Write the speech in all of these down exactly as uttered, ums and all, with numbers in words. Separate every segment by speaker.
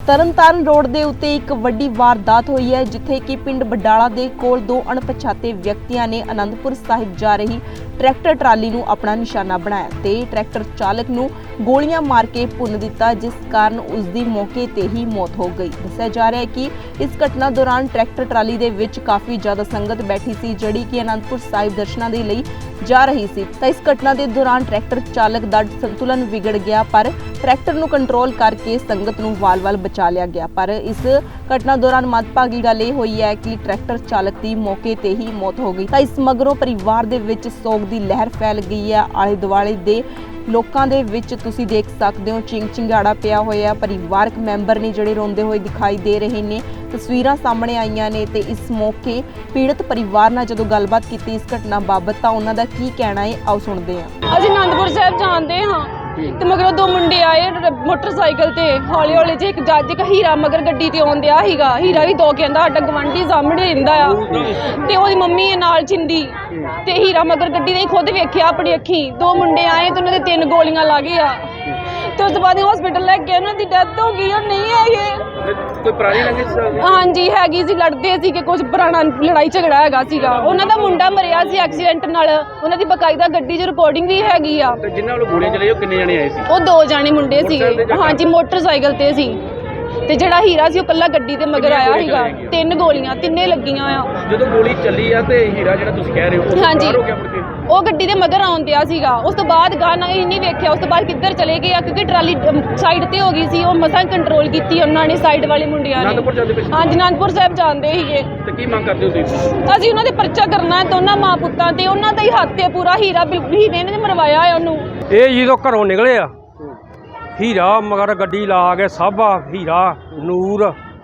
Speaker 1: Tarn Taran road ਦੇ ਉੱਤੇ ਇੱਕ ਵੱਡੀ ਵਾਰਦਾਤ ਹੋਈ ਹੈ, ਜਿੱਥੇ ਕਿ ਪਿੰਡ ਬਡਾਲਾ ਦੇ ਕੋਲ ਦੋ ਅਣਪਛਾਤੇ ਵਿਅਕਤੀਆਂ ਨੇ ਅਨੰਦਪੁਰ ਸਾਹਿਬ ਜਾ ਰਹੀ ਟਰੈਕਟਰ ਟਰਾਲੀ ਨੂੰ ਆਪਣਾ ਨਿਸ਼ਾਨਾ ਬਣਾਇਆ ਤੇ ਟਰੈਕਟਰ ਚਾਲਕ ਨੂੰ ਗੋਲੀਆਂ ਮਾਰ ਕੇ ਭੁੰਨ ਦਿੱਤਾ, ਜਿਸ ਕਾਰਨ ਉਸ ਦੀ ਮੌਕੇ ਤੇ ਹੀ ਮੌਤ ਹੋ ਗਈ। ਦੱਸਿਆ ਜਾ ਰਿਹਾ ਹੈ ਕਿ ਇਸ ਘਟਨਾ ਦੌਰਾਨ ਟਰੈਕਟਰ ਟਰਾਲੀ ਦੇ ਵਿੱਚ ਕਾਫੀ ਜ਼ਿਆਦਾ ਸੰਗਤ ਬੈਠੀ ਸੀ, ਜਿਹੜੀ ਕਿ ਅਨੰਦਪੁਰ ਸਾਹਿਬ ਦਰਸ਼ਨਾਂ ਦੇ ਲਈ ਜਾ ਰਹੀ ਸੀ। ਤਾਂ ਇਸ ਘਟਨਾ ਦੇ ਦੌਰਾਨ ਟਰੈਕਟਰ ਚਾਲਕ ਦਾ ਸੰਤੁਲਨ ਵਿਗੜ ਗਿਆ, ਪਰ ਟਰੈਕਟਰ ਨੂੰ ਕੰਟਰੋਲ ਕਰਕੇ ਸੰਗਤ ਨੂੰ ਵਾਲ-ਵਾਲ ਬਚਾ ਲਿਆ ਗਿਆ। ਪਰ ਇਸ ਘਟਨਾ ਦੌਰਾਨ ਮੰਦਭਾਗੀ ਗੱਲ ਇਹ ਹੋਈ ਹੈ ਕਿ ਟਰੈਕਟਰ ਚਾਲਕ ਦੀ ਮੌਕੇ ਤੇ ਹੀ ਮੌਤ ਹੋ ਗਈ। ਤਾਂ ਇਸ ਮਗਰੋਂ ਪਰਿਵਾਰ ਦੇ ਵਿੱਚ ਸੋਗ ਦੀ ਲਹਿਰ ਫੈਲ ਗਈ ਹੈ। ਆਲੇ ਦੁਆਲੇ ਦੇ ਲੋਕਾਂ ਦੇ ਵਿੱਚ ਤੁਸੀਂ ਦੇਖ ਸਕਦੇ ਹੋ ਚਿੰਗ ਚਿੰਗਾੜਾ ਪਿਆ ਹੋਇਆ। ਪਰਿਵਾਰਕ ਮੈਂਬਰ ਨੇ ਜਿਹੜੇ ਰੋਂਦੇ ਹੋਏ ਦਿਖਾਈ ਦੇ ਰਹੇ ਨੇ। ਤਸਵੀਰਾਂ ਸਾਹਮਣੇ ਆਈਆਂ ਨੇ ਤੇ ਇਸ ਮੌਕੇ ਪੀੜਤ ਪਰਿਵਾਰ ਨਾਲ ਜਦੋਂ ਗੱਲਬਾਤ ਕੀਤੀ ਇਸ ਘਟਨਾ ਬਾਬਤ, ਤਾਂ ਉਹਨਾਂ ਦਾ ਕੀ ਕਹਿਣਾ ਹੈ, ਆਓ ਸੁਣਦੇ ਹਾਂ।
Speaker 2: ਅਸੀਂ ਅਨੰਦਪੁਰ ਸਾਹਿਬ ਜਾਂਦੇ ਹਾਂ ਤੇ ਮਗਰੋਂ ਦੋ ਮੁੰਡੇ ਆਏ ਮੋਟਰਸਾਈਕਲ ਤੇ, ਹੌਲੀ ਹੌਲੀ ਜੇ ਇੱਕ ਜੱਜ ਇੱਕ ਹੀਰਾ ਮਗਰ ਗੱਡੀ ਤੇ ਆਉਂਦਿਆ ਸੀਗਾ। ਹੀਰਾ ਵੀ ਦੋ ਕਹਿੰਦਾ ਸਾਡਾ ਗਵਾਂਢੀ ਸਾਹਮਣੇ ਰਹਿੰਦਾ ਆ ਤੇ ਉਹਦੀ ਮੰਮੀ ਨਾਲ ਚਿੰਦੀ ਤੇ ਹੀਰਾ ਮਗਰ ਗੱਡੀ ਦੇ ਖੁਦ ਵੇਖਿਆ ਆਪਣੀ ਅੱਖੀ। ਦੋ ਮੁੰਡੇ ਆਏ ਤੇ ਉਹਨਾਂ ਦੇ ਤਿੰਨ ਗੋਲੀਆਂ ਲੱਗ ਗਈਆਂ ਤੇ ਉਸ ਤੋਂ ਬਾਅਦ ਹਸਪੀਟਲ ਲੈ ਕੇ ਉਹਨਾਂ ਦੀ ਡੈਥ ਹੋ ਗਈ। ਉਹ ਨਹੀਂ ਹੈਗੇ।
Speaker 3: ਕੋਈ ਪੁਰਾਣੀ ਰੰਜਿਸ਼?
Speaker 2: ਹਾਂਜੀ ਹੈਗੀ ਸੀ, ਲੜਦੇ ਸੀ ਕਿ ਕੁਝ ਪੁਰਾਣਾ ਲੜਾਈ ਝਗੜਾ ਹੈਗਾ ਸੀਗਾ। ਉਹਨਾਂ ਦਾ ਮੁੰਡਾ ਮਰਿਆ ਸੀ ਐਕਸੀਡੈਂਟ ਨਾਲ, ਉਹਨਾਂ ਦੀ ਬਕਾਇਦਾ ਗੱਡੀ 'ਚ ਰਿਕਾਰਡਿੰਗ ਵੀ ਹੈਗੀ ਆ।
Speaker 3: ਤੇ ਜਿਨ੍ਹਾਂ ਵੱਲੋਂ ਗੋਲੀਆਂ ਚਲਾਈ ਉਹ ਕਿੰਨੇ ਜਣੇ ਆਏ ਸੀ?
Speaker 2: ਉਹ ਦੋ ਜਾਣੇ ਮੁੰਡੇ ਸੀਗੇ। ਹਾਂਜੀ ਮੋਟਰਸਾਈਕਲ ਤੇ ਸੀ ਤੇ ਜਿਹੜਾ ਹੀਰਾ ਸੀ ਉਹ ਕੱਲਾ ਗੱਡੀ ਤੇ ਮਗਰ ਆਇਆ ਸੀਗਾ। ਤਿੰਨ ਗੋਲੀਆਂ ਤਿੰਨੇ ਲੱਗੀਆਂ ਆ।
Speaker 3: ਜਦੋਂ ਗੋਲੀ ਚੱਲੀ ਆ ਤੇ ਹੀਰਾ ਜਿਹੜਾ ਤੁਸੀਂ ਕਹਿ ਰਹੇ ਹੋ ਉਹ
Speaker 2: ਹਾਂਜੀ।
Speaker 3: ਬਾਹਰ ਹੋ ਗਿਆ ਮੁੜ ਕੇ?
Speaker 2: ਉਹ ਗੱਡੀ ਦੇ ਮਗਰ ਆਉਂਦਿਆ ਸੀਗਾ। ਉਸ ਤੋਂ ਬਾਅਦ ਗਾਣਾ ਇਹ ਨਹੀਂ ਵੇਖਿਆ ਉਸ ਤੋਂ ਬਾਅਦ ਕਿੱਧਰ ਚਲੇ ਗਏ ਆ, ਕਿਉਂਕਿ ਟਰਾਲੀ ਸਾਈਡ ਤੇ ਹੋ ਗਈ ਸੀ। ਉਹ ਮਸਾਂ ਕੰਟਰੋਲ ਕੀਤੀ ਉਹਨਾਂ ਨੇ, ਸਾਈਡ ਵਾਲੇ ਮੁੰਡਿਆਂ ਨੇ।
Speaker 3: ਅਨੰਦਪੁਰ ਜਾਂਦੇ ਪਏ ਸੀ?
Speaker 2: ਹਾਂਜੀ ਅਨੰਦਪੁਰ ਸਾਹਿਬ ਜਾਂਦੇ ਸੀਗੇ।
Speaker 3: ਤੇ ਕੀ ਮੰਗ ਕਰਦੇ ਹੋ ਤੁਸੀਂ?
Speaker 2: ਅਸੀਂ ਉਹਨਾਂ ਦੇ ਪਰਚਾ ਕਰਨਾ ਹੈ ਦੋਨਾਂ ਮਾਂ ਪੁੱਤਾਂ ਤੇ। ਉਹਨਾਂ ਦਾ ਹੀ ਹੱਥ ਹੈ ਪੂਰਾ। ਹੀਰਾ ਹੀਰੇ ਨੇ ਮਰਵਾਇਆ ਹੈ ਉਹਨੂੰ।
Speaker 4: ਇਹ ਜਦੋਂ ਘਰੋਂ ਨਿਕਲੇ ਆ ਹੀਰਾ ਮਗਰ ਗੱਡੀ ਲਾ ਕੇ ਸਾਬਾ ਹੀਰਾ ਨੂਰ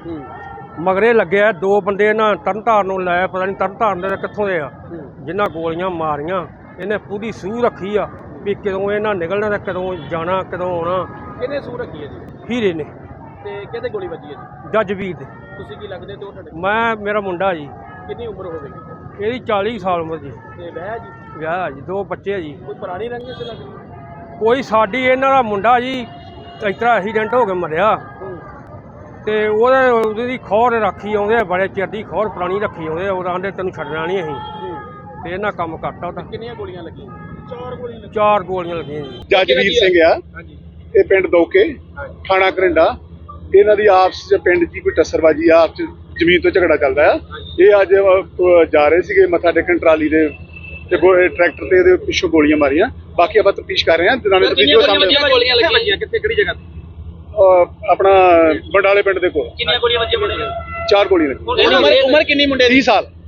Speaker 4: ਮਗਰੇ ਲੱਗਿਆ। ਦੋ ਬੰਦੇ ਇਹਨਾਂ ਤਰਨਤਾਰਨ ਨੂੰ ਲੈ, ਪਤਾ ਨਹੀਂ ਤਰਨਤਾਰਨ ਦੇ ਕਿੱਥੋਂ ਦੇ ਆ, ਜਿਨ੍ਹਾਂ ਗੋਲੀਆਂ ਮਾਰੀਆਂ। ਇਹਨੇ ਪੂਰੀ ਸੂਹ ਰੱਖੀ ਆ ਵੀ ਕਦੋਂ ਇਹਨਾਂ ਨਿਕਲਣਾ ਤੇ ਕਦੋਂ ਜਾਣਾ, ਕਦੋਂ ਆਉਣਾ।
Speaker 3: ਕਿਹਨੇ ਸੂਹ ਰੱਖੀ ਹੈ ਜੀ?
Speaker 4: ਹੀਰੇ ਨੇ।
Speaker 3: ਤੇ ਕਿਹਦੇ ਗੋਲੀ ਵੱਜੀ ਹੈ ਜੀ?
Speaker 4: ਜੱਜਵੀਰ ਦੇ।
Speaker 3: ਤੁਸੀਂ ਕੀ ਲੱਗਦੇ ਤੇ ਉਹ ਤੁਹਾਡੇ?
Speaker 4: ਮੈਂ ਮੇਰਾ ਮੁੰਡਾ ਜੀ,
Speaker 3: ਕਿੰਨੀ ਉਮਰ ਹੋਵੇਗੀ?
Speaker 4: ਇਹਦੀ ਚਾਲੀ ਸਾਲ ਉਮਰ ਜੀ।
Speaker 3: ਤੇ ਵਿਆਹ ਜੀ?
Speaker 4: ਵਿਆਹ ਜੀ, ਦੋ ਬੱਚੇ ਜੀ।
Speaker 3: ਕੋਈ ਪੁਰਾਣੀ ਰੰਜਿਸ਼ ਲੱਗਦੀ?
Speaker 4: ਕੋਈ ਸਾਡੀ ਇਹਨਾਂ ਦਾ ਮੁੰਡਾ ਜੀ ਇਸ ਤਰ੍ਹਾਂ ਐਕਸੀਡੈਂਟ ਹੋ ਕੇ ਮਰਿਆ ਤੇ ਉਹਦੇ ਉਹਦੀ ਖੋਰ ਰੱਖੀ ਆਉਂਦੇ, ਬੜੇ ਚਿਰ ਦੀ ਖੋਰ ਪੁਰਾਣੀ ਰੱਖੀ ਆਉਂਦੇ। ਉਹ ਆਂਦੇ ਤੈਨੂੰ ਛੱਡਣਾ ਨਹੀਂ ਅਸੀਂ, ਤੇ ਇਹਨਾਂ ਕੰਮ ਕਰਤਾ ਉਹਦਾ।
Speaker 3: ਕਿੰਨੀਆਂ ਗੋਲੀਆਂ ਲੱਗੀਆਂ? ਚਾਰ ਗੋਲੀਆਂ ਲੱਗੀਆਂ।
Speaker 4: ਚਾਰ ਗੋਲੀਆਂ ਲੱਗੀਆਂ ਜੀ।
Speaker 5: ਜੱਜਵੀਰ ਸਿੰਘ ਆ।
Speaker 3: ਹਾਂਜੀ।
Speaker 5: ਇਹ ਪਿੰਡ ਦੋਕੇ ਥਾਣਾ ਘਰਿੰਡਾ। ਇਹਨਾਂ ਦੀ ਆਪਸ ਚ ਪਿੰਡ ਦੀ ਕੋਈ ਟੱਸਰਬਾਜੀ ਆ, ਆਪਸ ਚ ਜ਼ਮੀਨ ਤੋਂ ਝਗੜਾ ਚੱਲਦਾ ਆ। ਇਹ ਅੱਜ ਅਹ, ਜਾ ਰਹੇ ਸੀਗੇ ਮੱਥਾ ਟੇਕਣ ਟਰਾਲੀ ਦੇ ਤੇ ਟਰੈਕਟਰ ਤੇ ਇਹਦੇ ਪਿੱਛੋਂ ਗੋਲੀਆਂ ਮਾਰੀਆਂ। ਬਾਕੀ ਆਪਾਂ ਤਫਤੀਸ਼ ਕਰ ਰਹੇ ਹਾਂ। ਦਿਨਾਨੇ ਵੀਡੀਓ ਸਾਹਮਣੇ
Speaker 3: ਗੋਲੀਆਂ ਲੱਗੀਆਂ ਕਿੱਥੇ, ਕਿਹੜੀ ਜਗ੍ਹਾ ਤੇ?
Speaker 5: ਆਪਣਾ ਬੰਡਾਲੇ ਪਿੰਡ ਦੇ ਕੋਲ।
Speaker 3: ਕਿੰਨੀਆਂ ਗੋਲੀਆਂ ਵੱਜੀਆਂ ਮੁੰਡੇ?
Speaker 5: ਚਾਰ ਗੋਲੀਆਂ ਲੱਗੀਆਂ।
Speaker 3: ਉਮਰ ਕਿੰਨੀ ਮੁੰਡੇ ਦੀ?
Speaker 5: ਤੀਹ ਸਾਲ।